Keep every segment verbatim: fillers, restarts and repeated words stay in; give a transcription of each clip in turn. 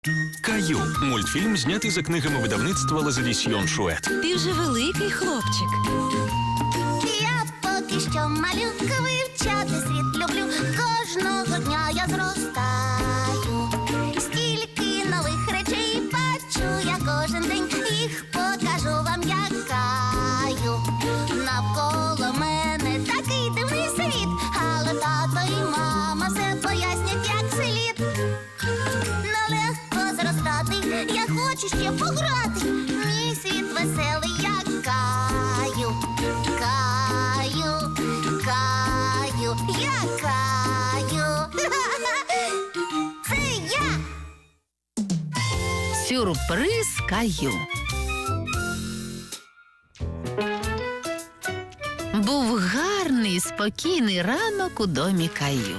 Каю – мультфільм, знятий за книгами видавництва Лазадісьйон Шует. Ти вже великий хлопчик. Я поки що малюка, вивчати світ люблю. Кожного дня я зростаю. Стільки нових речей бачу я кожен день. Їх покажу вам, як Каю. Навколо мене такий дивний світ, але тато і мама все пояснять, як слід. Нелегко зростати, я хочу ще пограти. Мій світ веселий, як Каю. Каю, Каю, я Каю. Це я. Сюрприз Каю. Був гарний, спокійний ранок у домі Каю.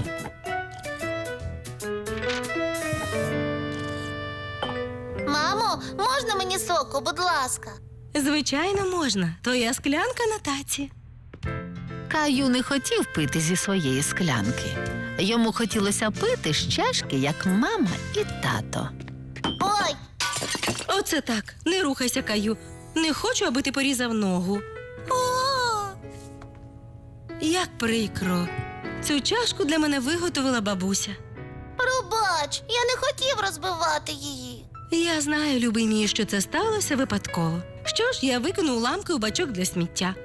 Мамо, можна мені соку, будь ласка? Звичайно, можна. Твоя склянка на таці. Каю не хотів пити зі своєї склянки. Йому хотілося пити з чашки, як мама і тато. Ой, Оце так. Не рухайся, Каю. Не хочу, аби ти порізав ногу. о, Як прикро. Цю чашку для мене виготовила бабуся. пробач, я не хотів розбивати її. Я знаю, любий мій, що це сталося випадково. Що ж, я викину уламки у бачок для сміття.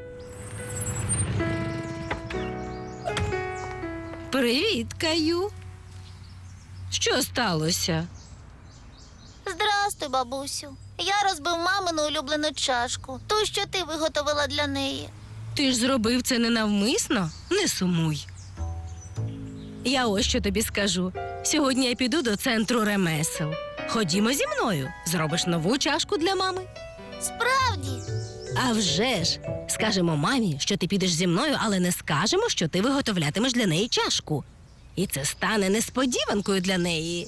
Привіт, Каю. Що сталося? Здрастуй, бабусю. Я розбив мамину улюблену чашку, ту, що ти виготовила для неї. Ти ж зробив це ненавмисно? Не сумуй. Я ось що тобі скажу. Сьогодні я піду до центру ремесел. Ходімо зі мною. Зробиш нову чашку для мами. Справді? А вже ж! Скажемо мамі, що ти підеш зі мною, але не скажемо, що ти виготовлятимеш для неї чашку. І це стане несподіванкою для неї.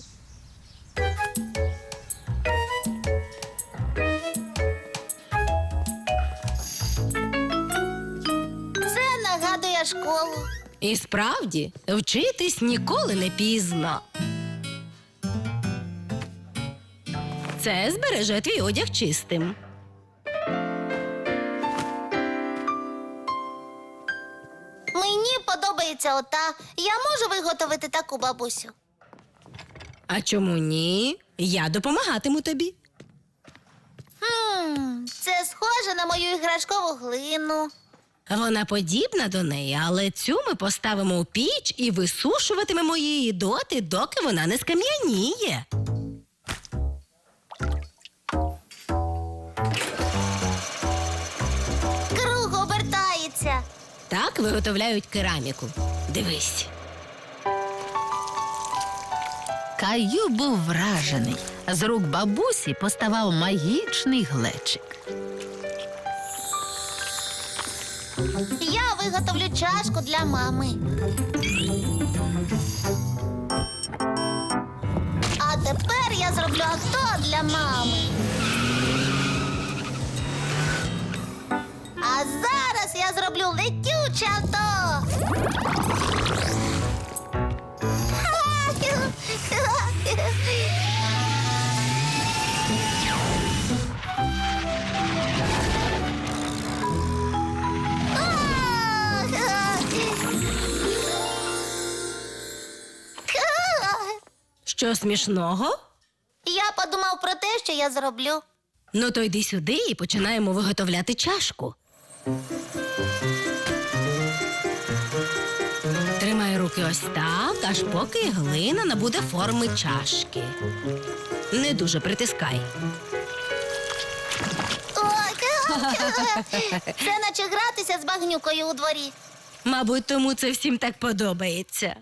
Це нагадує школу. І справді, вчитись ніколи не пізно. Це збереже твій одяг чистим. Мені подобається ота. Я можу виготовити таку, бабусю? А чому ні? Я допомагатиму тобі. Хм, це схоже на мою іграшкову глину. Вона подібна до неї, але цю ми поставимо у піч і висушуватимемо її доти, доки вона не скам'яніє. Круг обертається. Так виготовляють кераміку. Дивись. Каю був вражений. З рук бабусі поставав магічний глечик. Я виготовлю чашку для мами. А тепер я зроблю авто для мами. А зараз я зроблю летюче авто. Що смішного? Я подумав про те, що я зроблю. Ну то йди сюди і починаємо виготовляти чашку. Тримай руки ось так, аж поки глина набуде форми чашки. Не дуже притискай. Ой, це наче гратися з багнюкою у дворі. Мабуть, тому це всім так подобається.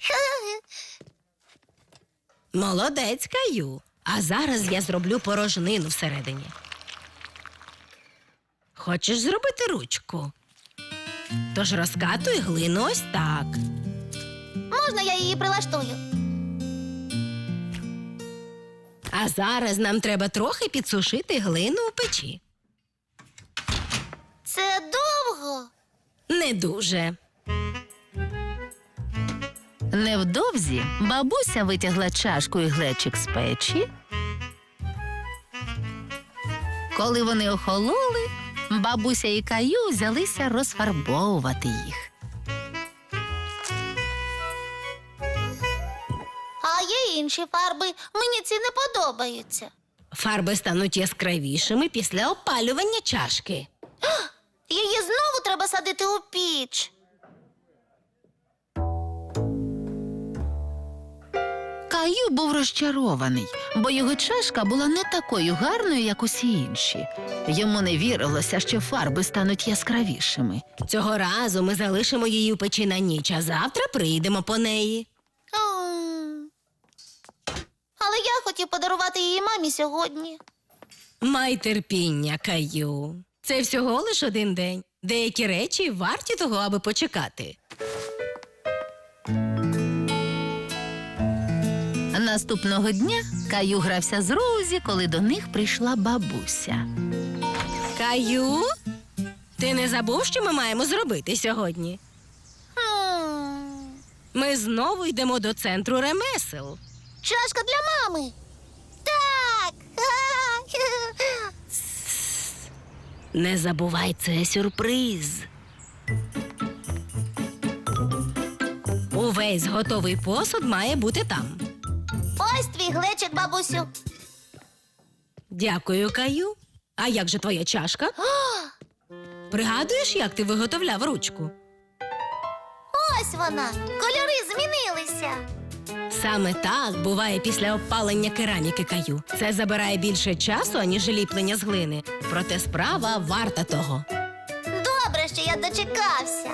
Молодець, Каю. А зараз я зроблю порожнину всередині. Хочеш зробити ручку? Тож розкатуй глину ось так. Можна я її прилаштую? А зараз нам треба трохи підсушити глину у печі. Це довго. Не дуже. Невдовзі бабуся витягла чашку і глечик з печі Коли вони охололи, бабуся і Каю взялися розфарбовувати їх. А є інші фарби. Мені ці не подобаються. Фарби стануть яскравішими після опалювання чашки. Її знову треба садити у піч. Каю був розчарований, бо його чашка була не такою гарною, як усі інші. Йому не вірилося, що фарби стануть яскравішими. Цього разу ми залишимо її у печі на ніч, а завтра прийдемо по неї. М. Але я хотів подарувати її мамі сьогодні. Май терпіння, Каю. Це всього лиш один день. Деякі речі варті того, аби почекати. Наступного дня Каю грався з Розі, коли до них прийшла бабуся. Каю? Ти не забув, що ми маємо зробити сьогодні? М. Ми знову йдемо до центру ремесел. Чашка для мами. Так. Не забувай, це сюрприз. Увесь готовий посуд має бути там. Ось твій глечик, бабусю. Дякую, Каю. А як же твоя чашка? Пригадуєш, як ти виготовляв ручку? Ось вона. Кольори змінилися. Саме так буває після опалення кераміки, Каю. Це забирає більше часу, аніж ліплення з глини. Проте справа варта того. Добре, що я дочекався.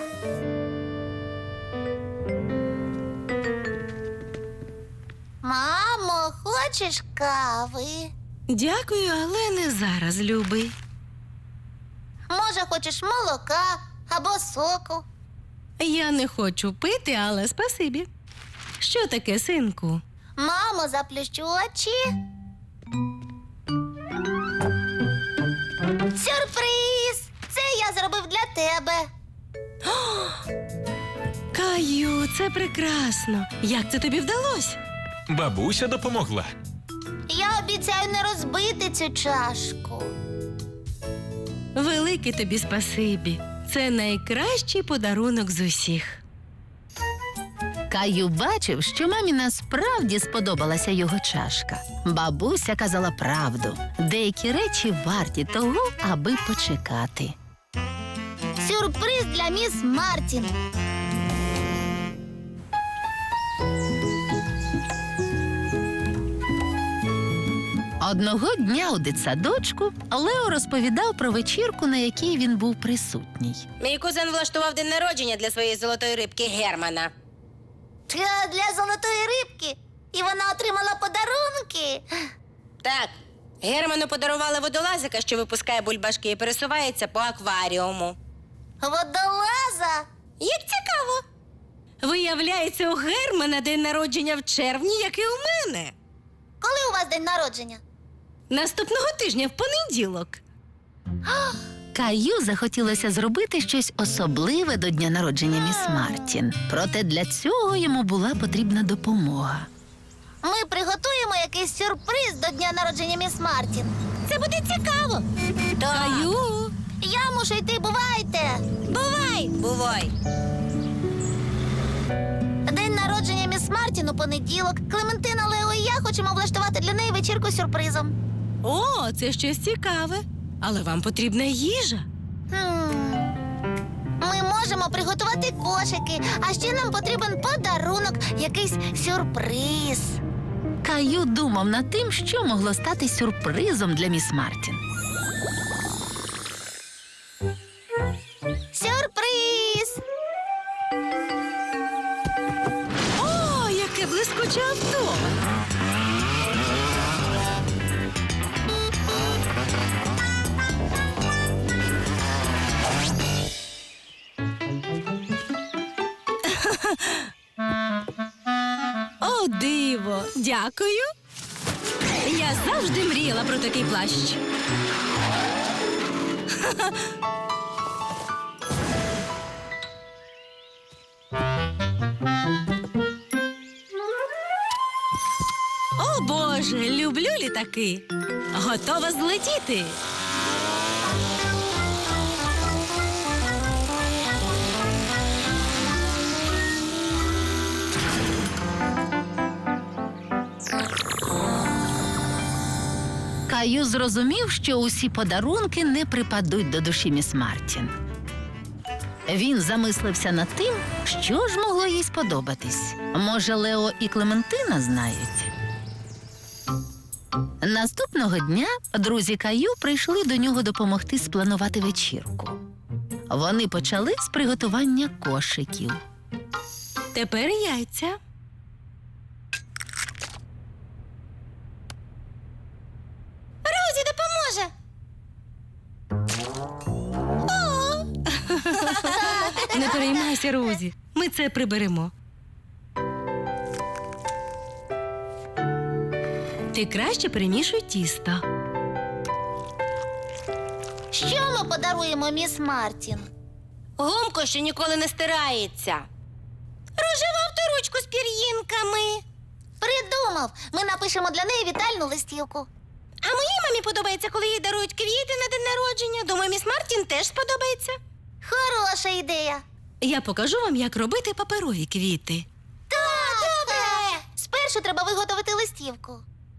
Мамо, хочеш кави? Дякую, але не зараз, любий. Може, хочеш молока або соку? Я не хочу пити, але спасибі. Що таке, синку? Мамо, заплющу очі. Сюрприз! Це я зробив для тебе. Каю, це прекрасно. Як це тобі вдалося? Бабуся допомогла. Я обіцяю не розбити цю чашку. Велике тобі спасибі. Це найкращий подарунок з усіх. Каю бачив, що мамі насправді сподобалася його чашка. Бабуся казала правду. Деякі речі варті того, аби почекати. Сюрприз для міс Мартін. Одного дня у дитсадочку Лео розповідав про вечірку, на якій він був присутній. Мій кузен влаштував день народження для своєї золотої рибки Германа. Та для золотої рибки. І вона отримала подарунки. Так, Герману подарували водолазика, що випускає бульбашки і пересувається по акваріуму. Водолаза. Як цікаво! Виявляється, у Германа день народження в червні, як і у мене. Коли у вас день народження? Наступного тижня в понеділок. Каю захотілося зробити щось особливе до дня народження міс Мартін. Проте для цього йому була потрібна допомога. Ми приготуємо якийсь сюрприз до дня народження міс Мартін. Це буде цікаво. Каю! Я мушу йти, бувайте. Бувай! Бувай! День народження міс Мартін у понеділок. Клементина, Лео і я хочемо влаштувати для неї вечірку з сюрпризом. О, це щось цікаве. Але вам потрібна їжа. Хм. Ми можемо приготувати кошики, а ще нам потрібен подарунок, якийсь сюрприз. Каю думав над тим, що могло стати сюрпризом для міс Мартін. Сюрприз! О, яке блискуче авто! О, диво! Дякую! Я завжди мріяла про такий плащ. О, Боже, люблю літаки. Готова злетіти. Каю зрозумів, що усі подарунки не припадуть до душі міс Мартін. Він замислився над тим, що ж могло їй сподобатись. Може, Лео і Клементина знають? Наступного дня друзі Каю прийшли до нього допомогти спланувати вечірку. Вони почали з приготування кошиків. Тепер яйця. Розі допоможе. Не переймайся, Розі. Ми це приберемо. Ти краще перемішуй тісто. Що ми подаруємо міс Мартін? Гумко, що ніколи не стирається. Рожеву авторучку з пір'їнками. Придумав. Ми напишемо для неї вітальну листівку. А моїй мамі подобається, коли їй дарують квіти на день народження. Думаю, міс Мартін теж сподобається. Хороша ідея. Я покажу вам, як робити паперові квіти. Так, добре. Спершу треба виготовити листівку.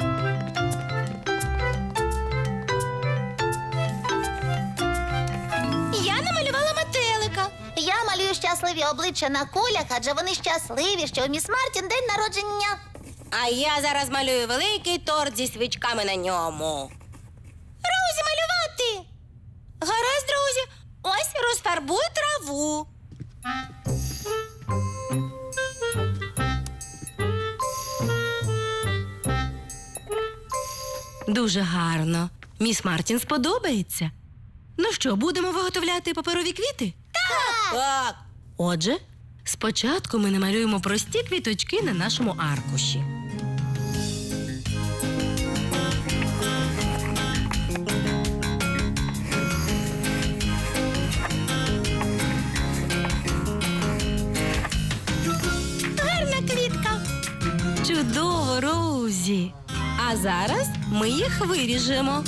Я намалювала метелика. Я малюю щасливі обличчя на кулях, адже вони щасливі, що у міс Мартін день народження. А я зараз малюю великий торт зі свічками на ньому. Розі, малювати! Гаразд, друзі. Ось розфарбуй траву. Дуже гарно. Міс Мартін сподобається. Ну що, будемо виготовляти паперові квіти? Так! Так. Отже, спочатку ми намалюємо прості квіточки на нашому аркуші. Гарна квітка. Чудово, Роузі. А зараз ми їх виріжемо.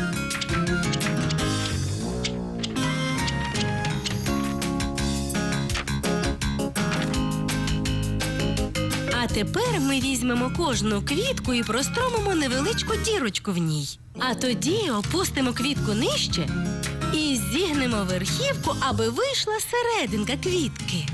А тепер ми візьмемо кожну квітку і простромимо невеличку дірочку в ній. А тоді опустимо квітку нижче і зігнемо верхівку, аби вийшла серединка квітки.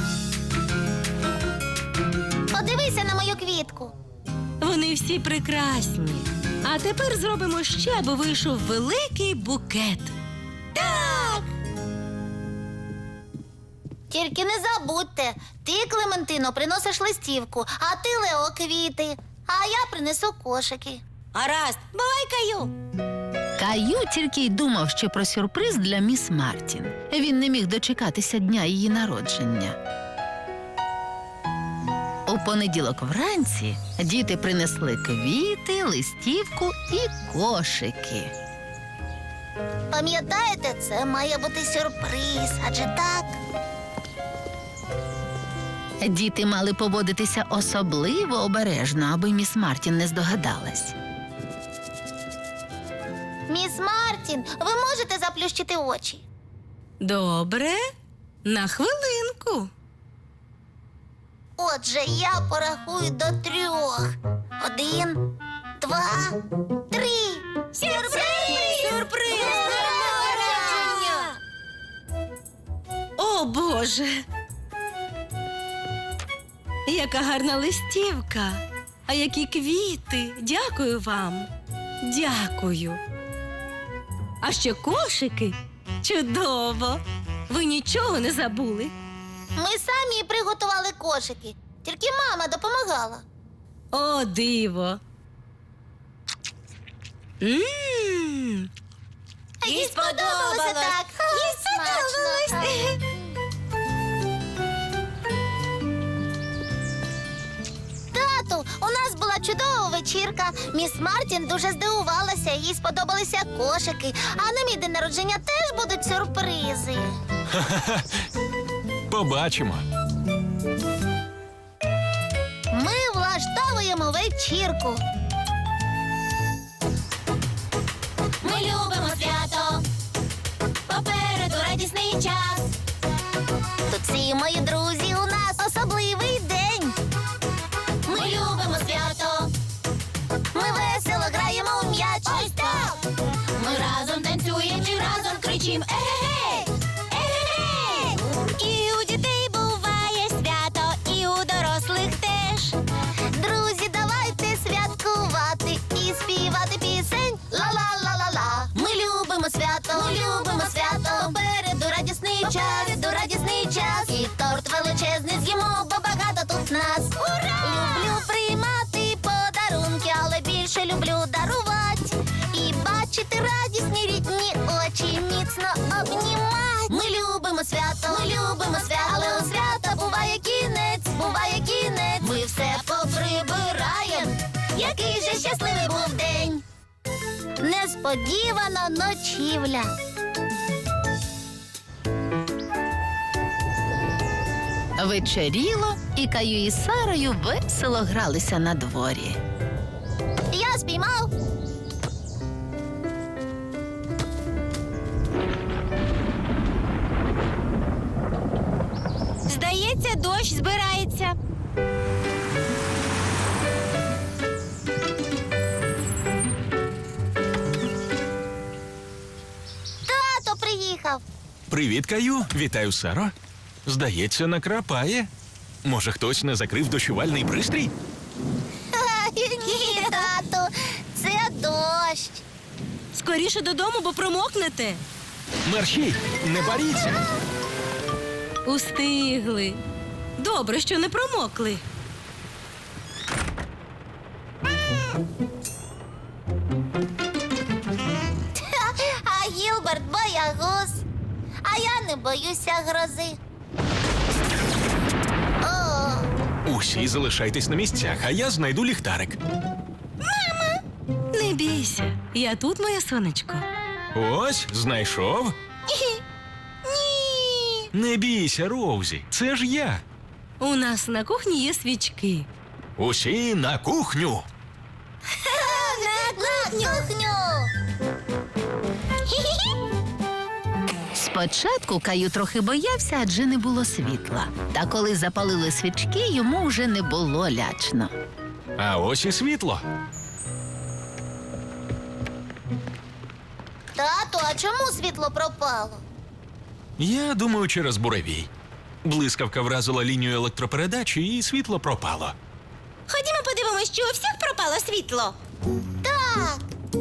Подивися на мою квітку. Вони всі прекрасні. А тепер зробимо ще, аби вийшов великий букет. Так! Тільки не забудьте, ти, Клементино, приносиш листівку, а ти, Лео, квіти, а я принесу кошики. Гаразд, бувай, Каю. Каю тільки й думав, що про сюрприз для міс Мартін. Він не міг дочекатися дня її народження. У понеділок вранці діти принесли квіти, листівку і кошики. Пам'ятаєте, це має бути сюрприз, адже так? Діти мали поводитися особливо обережно, аби міс Мартін не здогадалась. Міс Мартін, ви можете заплющити очі? Добре, на хвилинку. Отже, я порахую до трьох. Один, два, три. Сюрприз! Сюрприз! О, Боже! Яка гарна листівка! А які квіти! Дякую вам! Дякую! А ще кошики! Чудово! Ви нічого не забули? Ми самі приготували кошики. Тільки мама допомагала. О, диво! Мм! Їй сподобалося так. Їй смачно. Тату, у нас була чудова вечірка. Міс Мартін дуже здивувалася, їй сподобалися кошики. А на мій день народження теж будуть сюрпризи. Побачимо. Ми влаштовуємо вечірку. Ми любимо свято, попереду радісний час. Тут всі мої друзі, у нас особливий день. Ми любимо свято, ми весело граємо у м'яч. Ось так. нас. Ура! Люблю приймати подарунки, але більше люблю дарувати. І бачити радісні рідні очі, міцно обнімати. Ми любимо свято, ми любимо свято, але у свята буває кінець, буває кінець. Ми все поприбираєм. Який же щасливий був день. Несподівана ночівля. Вечеріло, і Каю із Сарою весело гралися на дворі. Я спіймав. Здається, дощ збирається. Тато приїхав. Привіт, Каю. Вітаю, Саро. Здається, накрапає. Може, хтось не закрив дощувальний пристрій? Ні, тату, це дощ. Скоріше додому, бо промокнете. Мерщій, не боріться. Устигли. Добре, що не промокли. А Гілберт боягуз. А я не боюся грози. О, Усі залишайтесь на місцях, а я знайду ліхтарик. Не бійся. Я тут, моє сонечко. Ось, знайшов. ні. Не бійся, Роузі, це ж я. У нас на кухні є свічки. Усі на кухню. На кухню. Спочатку Каю трохи боявся, адже не було світла. Та коли запалили свічки, йому вже не було лячно. А ось і світло. Тату, а чому світло пропало? Я думаю, через буревій. Блискавка вразила лінію електропередачі, і світло пропало. Ходімо подивимось, чи у всіх пропало світло. Так.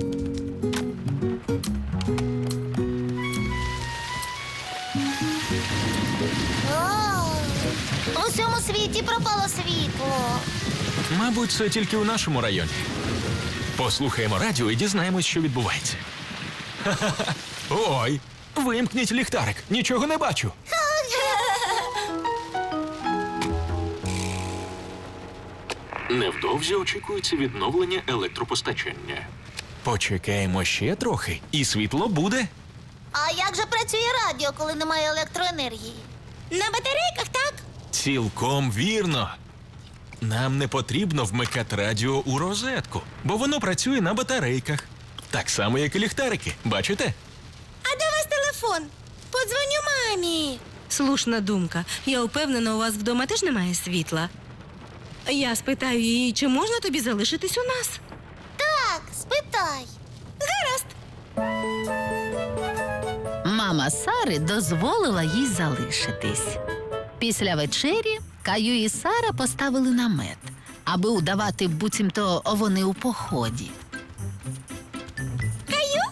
О, у всьому світі пропало світло. Мабуть, це тільки у нашому районі. Послухаємо радіо і дізнаємось, що відбувається. Ха-ха-ха. Ой, вимкніть ліхтарик, нічого не бачу. Невдовзі очікується відновлення електропостачання. Почекаємо ще трохи, і світло буде. А як же працює радіо, коли немає електроенергії? На батарейках, так? Цілком вірно. Нам не потрібно вмикати радіо у розетку, бо воно працює на батарейках. Так само, як і ліхтарики. Бачите? А де у вас телефон? Подзвоню мамі. Слушна думка. Я впевнена, у вас вдома теж немає світла. Я спитаю її, чи можна тобі залишитись у нас? Так, спитай. Гаразд. Мама Сари дозволила їй залишитись. Після вечері Каю і Сара поставили намет, аби удавати, буцімто вони у поході. Каю?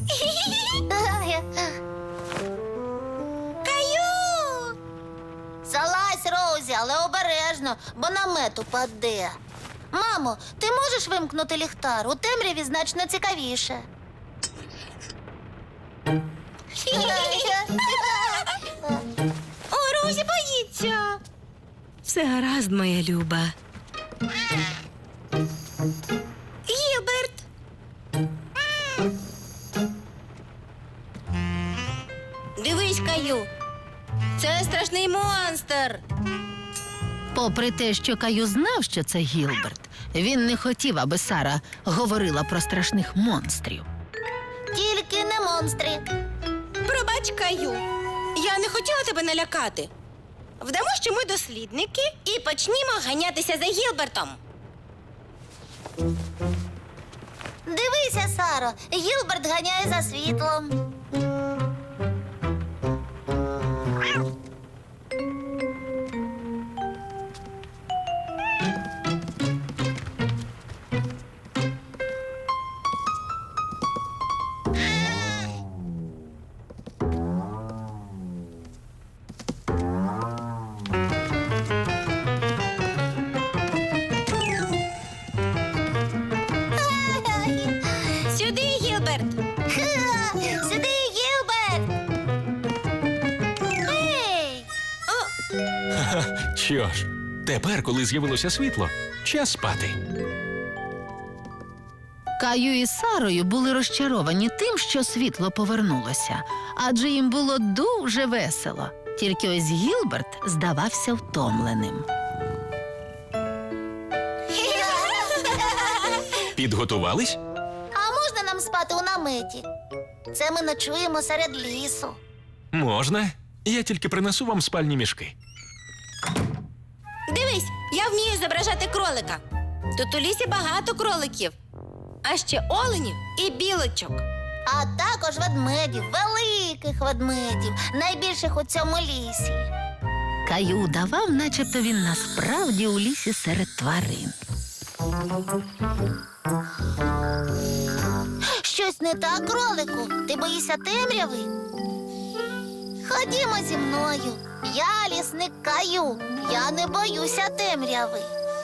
Каю! Залазь, Роузі, але обережно, бо намет упаде. Мамо, ти можеш вимкнути ліхтар? У темряві значно цікавіше. О, Розі боїться. Все гаразд, моя люба. Гілберт. Дивись, Каю. Це страшний монстр. Попри те, що Каю знав, що це Гілберт, він не хотів, аби Сара говорила про страшних монстрів. Тільки не монстри. Пробач, Каю. Я не хотіла тебе налякати. Вдамо, що ми дослідники, і почнімо ганятися за Гілбертом. Дивися, Саро, Гілберт ганяє за світлом. Що ж, тепер, коли з'явилося світло, час спати. Каю і Сарою були розчаровані тим, що світло повернулося, адже їм було дуже весело. Тільки ось Гілберт здавався втомленим. Підготувались? А можна нам спати у наметі? Це ми ночуємо серед лісу. Можна. Я тільки принесу вам спальні мішки. Дивись, я вмію зображати кролика. Тут у лісі багато кроликів, а ще оленів і білочок. А також ведмедів, великих ведмедів, найбільших у цьому лісі. Каю удавав, начебто він насправді у лісі серед тварин. Щось не так, кролику? Ти боїшся темряви? Ходімо зі мною. Я лісник Каю. Я не боюся темряви.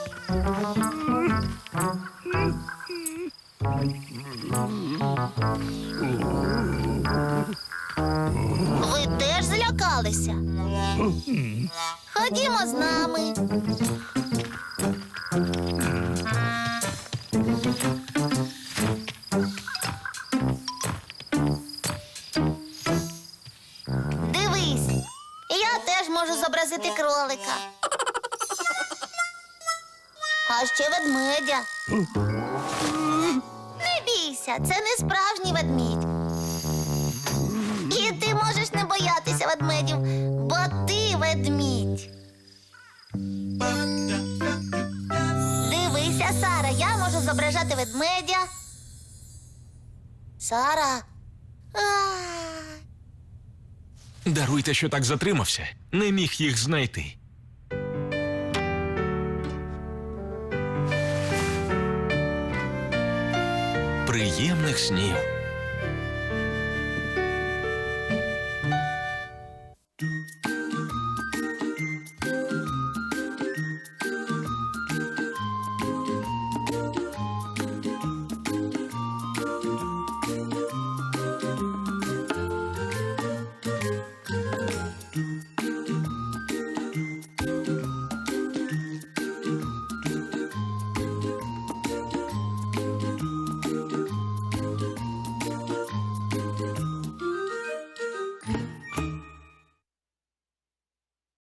Ви теж злякалися? Ходімо з нами. Дивись, я теж можу зобразити кролика. А ще ведмедя. Не бійся, це не справжній ведмідь. І ти можеш не боятися ведмедів, бо ти ведмідь. Дивися, Сара, я можу зображати ведмедя. Сара. А. Даруйте, що так затримався. Не міг їх знайти. Приємних снів.